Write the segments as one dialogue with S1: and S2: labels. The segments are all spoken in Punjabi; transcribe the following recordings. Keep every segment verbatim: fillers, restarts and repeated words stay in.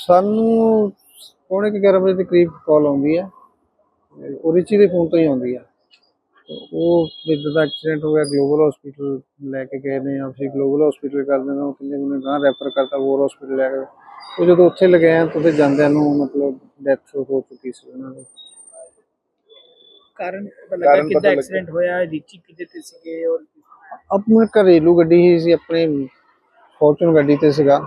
S1: ਸਾਨੂੰ पौने कुछ ग्यारह बजे के करीब कॉल आती है, वो रिची के फोन तो ही आती है। तो वो इधर का एक्सीडेंट हो गया, ग्लोबल हॉस्पिटल लैके गए ने, फिर ग्लोबल हॉस्पिटल कर देना, वो कहते मैंने गांह रैफर करता वोर हॉस्पिटल लैके। तो जो उत्थे लगे हैं तो फिर जांदियां नूं मतलब डेथ हो चुकी सी उन्हां दी।
S2: कारण पता लगा कितना एक्सीडेंट होया, रिची किदे ते सीगे और
S1: अपने घरेलू गड्डी ही सी, अपने फॉर्चून गड्डी ते सीगा,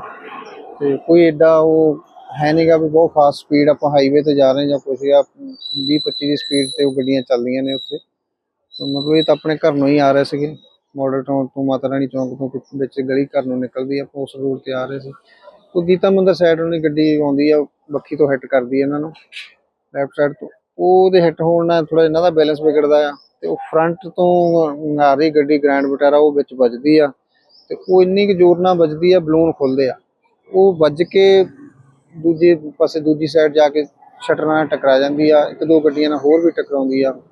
S1: ते कोई एडा वो है नहीं गा भी बहुत फास्ट स्पीड आप हाईवे ते जा रहे हैं या कुछ या बीस पच्चीस की स्पीड ते वो गड्डियां चल रही ने उत्थे। तो मतलब ये तो अपने घर नूं ही आ रहे थे, मॉडल टाउन तो माता रानी चौंक तो विच गली घर नूं निकलदी है, उस रोड ते आ रहे थे। तो गीता मंदिर साइड उन्हें गड्डी आउंदी है, बखी तो हिट करदी है इन्हां नूं लैफ्ट साइड तो, ਉਹਦੇ ਹਿੱਟ ਹੋਣ ਨਾਲ ਥੋੜਾ ਇਹਨਾਂ ਦਾ ਬੈਲੈਂਸ ਵਿਗੜਦਾ ਆ ਤੇ ਉਹ ਫਰੰਟ ਤੋਂ ਆ ਰਹੀ ਗੱਡੀ ਗ੍ਰੈਂਡ ਵਿਟਾਰਾ ਉਹ ਵਿੱਚ ਵੱਜਦੀ ਆ ਤੇ ਉਹ ਇੰਨੀ ਕੁ ਜ਼ੋਰ ਨਾਲ ਵੱਜਦੀ ਆ, ਬਲੂਨ ਖੁੱਲਦੇ ਆ, ਉਹ ਵੱਜ ਕੇ ਦੂਜੇ ਪਾਸੇ ਦੂਜੀ ਸਾਈਡ ਜਾ ਕੇ ਸ਼ਟਰ ਨਾਲ ਟਕਰਾ ਜਾਂਦੀ ਆ, ਇੱਕ ਦੋ ਗੱਡੀਆਂ ਨਾਲ ਹੋਰ ਵੀ ਟਕਰਾਉਂਦੀ ਆ।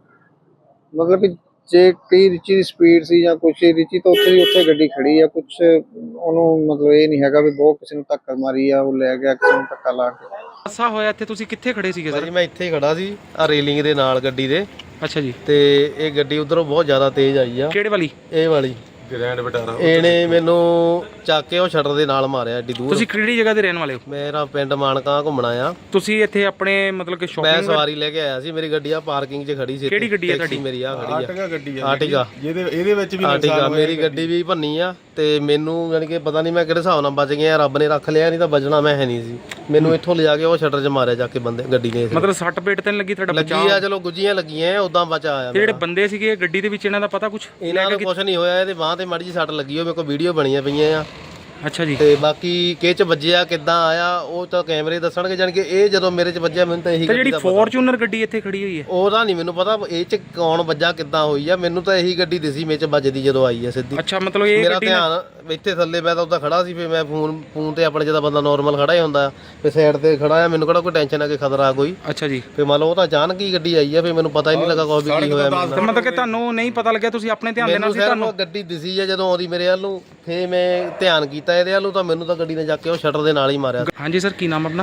S1: ਮਤਲਬ ਕਿ ਜੇ ਕਈ ਰਿਚੀ ਦੀ ਸਪੀਡ ਸੀ ਜਾਂ ਕੁਛ ਰਿਚੀ ਤਾਂ ਉੱਥੇ ਦੀ ਉੱਥੇ ਗੱਡੀ ਖੜੀ ਆ, ਕੁਛ ਉਹਨੂੰ ਮਤਲਬ ਇਹ ਨਹੀਂ ਹੈਗਾ ਵੀ ਬਹੁਤ ਕਿਸੇ ਨੂੰ ਧੱਕਾ ਮਾਰੀ ਆ, ਉਹ ਲੈ ਗਿਆ ਕਿਸੇ ਨੂੰ ਧੱਕਾ ਲਾ ਕੇ।
S3: ਹਾਦਸਾ ਹੋਇਆ ਇੱਥੇ ਤੁਸੀਂ ਕਿੱਥੇ ਖੜੇ ਸੀਗੇ ਸਰ?
S4: ਜੀ ਮੈਂ ਇੱਥੇ ਹੀ ਖੜਾ ਸੀ ਆ ਰੇਲਿੰਗ ਦੇ ਨਾਲ ਗੱਡੀ ਦੇ।
S3: ਅੱਛਾ ਜੀ।
S4: ਤੇ ਇਹ ਗੱਡੀ ਉਧਰੋਂ ਬਹੁਤ ਜ਼ਿਆਦਾ ਤੇਜ਼ ਆਈ ਆ।
S3: ਕਿਹੜੇ ਵਾਲੀ?
S4: ਇਹ ਵਾਲੀ
S5: ਗ੍ਰੈਂਡ ਵਿਟਾਰਾ।
S4: ਇਹਨੇ ਮੈਨੂੰ ਚੱਕ ਕੇ ਉਹ ਸ਼ਟਰ ਦੇ ਨਾਲ ਮਾਰਿਆ ਏਡੀ ਦੂਰ।
S3: ਤੁਸੀਂ ਕਿਹੜੀ ਜਗ੍ਹਾ ਦੇ ਰਹਿਣ ਵਾਲੇ ਹੋ?
S4: ਮੇਰਾ ਪਿੰਡ ਮਾਨਕਾ ਘੁੰਮਣਾ ਆ।
S3: ਤੁਸੀਂ ਇੱਥੇ ਆਪਣੇ ਮਤਲਬ ਕਿ ਸ਼ਾਪਿੰਗ?
S4: ਮੈਂ ਸਵਾਰੀ ਲੈ ਕੇ ਆਇਆ ਸੀ, ਮੇਰੀ ਗੱਡੀ ਆ ਪਾਰਕਿੰਗ 'ਚ ਖੜੀ ਸੀ।
S3: ਕਿਹੜੀ ਗੱਡੀ ਆ ਤੁਹਾਡੀ?
S4: ਮੇਰੀ ਆ ਖੜੀ ਆ
S5: ਆਰਟਿਗਾ ਗੱਡੀ ਆ।
S4: ਆਰਟਿਗਾ
S5: ਜਿਹਦੇ ਇਹਦੇ ਵਿੱਚ ਵੀ
S4: ਆਰਟਿਗਾ ਮੇਰੀ ਗੱਡੀ ਵੀ ਭੰਨੀ ਆ ਤੇ ਮੈਨੂੰ ਯਾਨੀ ਕਿ ਪਤਾ ਨਹੀਂ ਮੈਂ ਕਿਹੜੇ ਹਿਸਾਬ ਨਾਲ ਬਚ ਗਿਆ, ਰੱਬ ਨੇ ਰੱਖ ਲਿਆ, ਨਹੀਂ ਤਾਂ ਬਚਣਾ ਮੈਂ ਹੈ ਨਹੀਂ ਸੀ। ਮੈਨੂੰ ਇੱਥੋਂ ਲਿਜਾ ਕੇ ਉਹ ਸ਼ਟਰ 'ਚ ਮਾਰਿਆ ਜਾ ਕੇ ਬੰਦੇ ਗੱਡੀ ਨੇ।
S3: ਮਤਲਬ ਸੱਟ ਪੇਟ ਤਾਂ ਨਹੀਂ ਲੱਗੀ ਤੁਹਾਡਾ?
S4: ਲੱਗੀ ਆ, ਚਲੋ ਗੁੱਜੀਆਂ ਲੱਗੀਆਂ, ਉਦਾਂ ਬਚਾ ਆਇਆ।
S3: ਜਿਹੜੇ ਬੰਦੇ ਸੀਗੇ ਗੱਡੀ ਦੇ ਵਿੱਚ ਇਹਨਾਂ ਦਾ ਪਤਾ ਕੁਛ?
S4: ਇਹਨਾਂ ਨੂੰ ਕੁਛ ਨਹੀਂ ਹੋਇਆ, ਇਹਦੇ ਬਾਂਹ ਤੇ ਮਾੜੀ ਜਿਹੀ ਸੱਟ ਲੱਗੀ, ਉਹ ਮੇਰੇ ਕੋਲ ਵੀਡੀਓ ਬਣੀਆਂ ਪਈਆਂ ਆ।
S3: ਅੱਛਾ ਜੀ।
S4: ਤੇ ਬਾਕੀ ਕਿਹ ਚ ਵੱਜਿਆ ਕਿੱਦਾਂ ਆਇਆ ਉਹ ਤਾਂ ਕੈਮਰੇ ਦੱਸਣਗੇ, ਜਾਨ ਕਿ ਇਹ ਜਦੋਂ ਮੇਰੇ ਚ ਵੱਜਿਆ ਮੈਨੂੰ ਤਾਂ ਇਹੀ ਗੱਡੀ
S3: ਜਿਹੜੀ ਫੋਰਚੂਨਰ ਗੱਡੀ ਇੱਥੇ ਖੜੀ ਹੋਈ ਹੈ
S4: ਉਹਦਾ ਨਹੀਂ ਮੈਨੂੰ ਪਤਾ ਇਹ ਚ ਕੌਣ ਵੱਜਾ ਕਿੱਦਾਂ ਹੋਈ ਆ, ਮੈਨੂੰ ਤਾਂ ਇਹੀ ਗੱਡੀ ਦਿਸੀ ਮੇਰੇ ਚ ਵੱਜਦੀ ਜਦੋਂ ਆਈ ਆ ਸਿੱਧੀ।
S3: ਅੱਛਾ, ਮਤਲਬ ਇਹ
S4: ਮੇਰਾ ਧਿਆਨ ਇੱਥੇ ਥੱਲੇ, ਮੈਂ ਤਾਂ ਉੱਦਾਂ ਖੜਾ ਸੀ, ਫਿਰ ਮੈਂ ਫੋਨ ਫੋਨ ਤੇ ਆਪਣੇ ਜਿਹਦਾ ਬੰਦਾ ਨੋਰਮਲ ਖੜਾ ਹੀ ਹੁੰਦਾ ਫਿਰ ਸਾਈਡ ਤੇ ਖੜਾ ਆ, ਮੈਨੂੰ ਕਿਹੜਾ ਕੋਈ ਟੈਨਸ਼ਨ ਆ ਕਿ ਖਤਰਾ ਕੋਈ।
S3: ਅੱਛਾ ਜੀ।
S4: ਫਿਰ ਮੰਨ ਲਓ ਉਹ ਤਾਂ ਅਚਾਨਕ ਹੀ ਗੱਡੀ ਆਈ ਆ, ਫਿਰ ਮੈਨੂੰ ਪਤਾ ਹੀ ਨਹੀਂ ਲੱਗਾ ਕੋਈ ਵੀ ਕੀ ਹੋਇਆ।
S3: ਮਤਲਬ ਕਿ ਤੁਹਾਨੂੰ ਨਹੀਂ ਪਤਾ ਲੱਗਿਆ, ਤੁਸੀਂ ਆਪਣੇ ਧਿਆਨ ਦੇ ਨਾਲ ਸੀ? ਤੁਹਾਨੂੰ
S4: ਗੱਡੀ ਦਿਸੀ ਆ ਜਦੋਂ ਆਉਂਦੀ ਮੇਰੇ ਵੱਲ ਨੂੰ, ਫਿਰ ਮੈਂ ਧਿਆਨ ਕੀਤਾ ਇਹਦੇ ਵੱਲ ਨੂੰ, ਤਾਂ ਮੈਨੂੰ ਤਾਂ ਗੱਡੀ ਨੇ ਜਾ ਕੇ ਉਹ ਸ਼ਟਰ ਦੇ ਨਾਲ ਹੀ ਮਾਰਿਆ।
S3: ਹਾਂਜੀ ਸਰ, ਕੀ ਨਾਮ ਆਪਣਾ?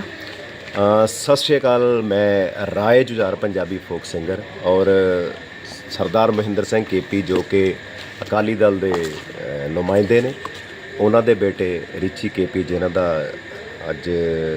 S6: ਸਤਿ ਸ਼੍ਰੀ ਅਕਾਲ, ਮੈਂ ਰਾਏ ਜੁਝਾਰ ਪੰਜਾਬੀ ਫੋਕ ਸਿੰਗਰ ਔਰ ਸਰਦਾਰ ਮਹਿੰਦਰ ਸਿੰਘ ਕੇਪੀ ਜੋ ਕਿ ਅਕਾਲੀ ਦਲ ਦੇ ਨੁਮਾਇੰਦੇ ਨੇ, ਉਹਨਾਂ ਦੇ ਬੇਟੇ ਰਿਚੀ ਕੇਪੀ ਜਿਨ੍ਹਾਂ ਦਾ ਅੱਜ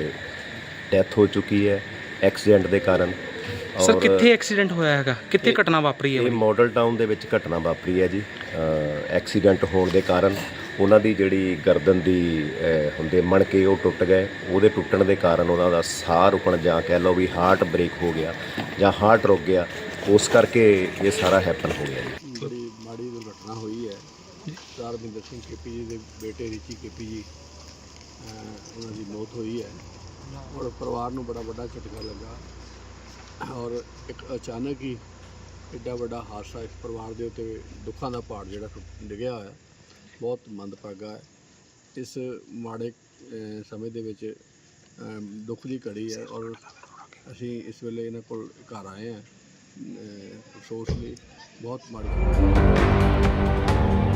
S6: ਡੈਥ ਹੋ ਚੁੱਕੀ ਹੈ ਐਕਸੀਡੈਂਟ ਦੇ ਕਾਰਨ।
S3: ਸਰ ਕਿੱਥੇ ਐਕਸੀਡੈਂਟ ਹੋਇਆ ਹੈਗਾ, ਕਿੱਥੇ ਘਟਨਾ ਵਾਪਰੀ ਹੈ?
S6: ਇਹ ਮਾਡਲ ਟਾਊਨ ਦੇ ਵਿੱਚ ਘਟਨਾ ਵਾਪਰੀ ਹੈ ਜੀ। ਐਕਸੀਡੈਂਟ ਹੋਣ ਦੇ ਕਾਰਨ ਉਹਨਾਂ ਦੀ ਜਿਹੜੀ ਗਰਦਨ ਦੀ ਹੁੰਦੇ ਮਣਕੇ ਉਹ ਟੁੱਟ ਗਏ, ਉਹਦੇ ਟੁੱਟਣ ਦੇ ਕਾਰਨ ਉਹਨਾਂ ਦਾ ਸਾਹ ਰੁਕਣ ਜਾਂ ਕਹਿ ਲਓ ਵੀ ਹਾਰਟ ਬ੍ਰੇਕ ਹੋ ਗਿਆ ਜਾਂ ਹਾਰਟ ਰੁਕ ਗਿਆ, ਉਸ ਕਰਕੇ ਇਹ ਸਾਰਾ ਹੈਪਨ ਹੋ ਗਿਆ ਜੀ।
S7: ਬੜੀ ਮਾੜੀ ਦੁਰਘਟਨਾ ਹੋਈ ਹੈ। ਸਰਦਾਰ ਮਹਿੰਦਰ ਸਿੰਘ ਕੇਪੀ ਜੀ ਦੇ ਬੇਟੇ ਰਿਚੀ ਕੇਪੀ ਜੀ, ਉਹਨਾਂ ਦੀ ਮੌਤ ਹੋਈ ਹੈ ਔਰ ਪਰਿਵਾਰ ਨੂੰ ਬੜਾ ਵੱਡਾ ਝਟਕਾ ਲੱਗਾ ਔਰ ਇੱਕ ਅਚਾਨਕ ਹੀ ਐਡਾ ਵੱਡਾ ਹਾਦਸਾ ਇਸ ਪਰਿਵਾਰ ਦੇ ਉੱਤੇ ਦੁੱਖਾਂ ਦਾ ਪਹਾੜ ਜਿਹੜਾ ਡਿੱਗਿਆ ਹੋਇਆ, ਬਹੁਤ ਮੰਦਭਾਗਾ ਹੈ। ਇਸ ਮਾੜੇ ਸਮੇਂ ਦੇ ਵਿੱਚ ਦੁੱਖ ਦੀ ਘੜੀ ਹੈ ਔਰ ਅਸੀਂ ਇਸ ਵੇਲੇ ਇਹਨਾਂ ਕੋਲ ਘਰ ਆਏ ਹਾਂ। ਅਫਸੋਸ ਲਈ ਬਹੁਤ ਮਾੜੀ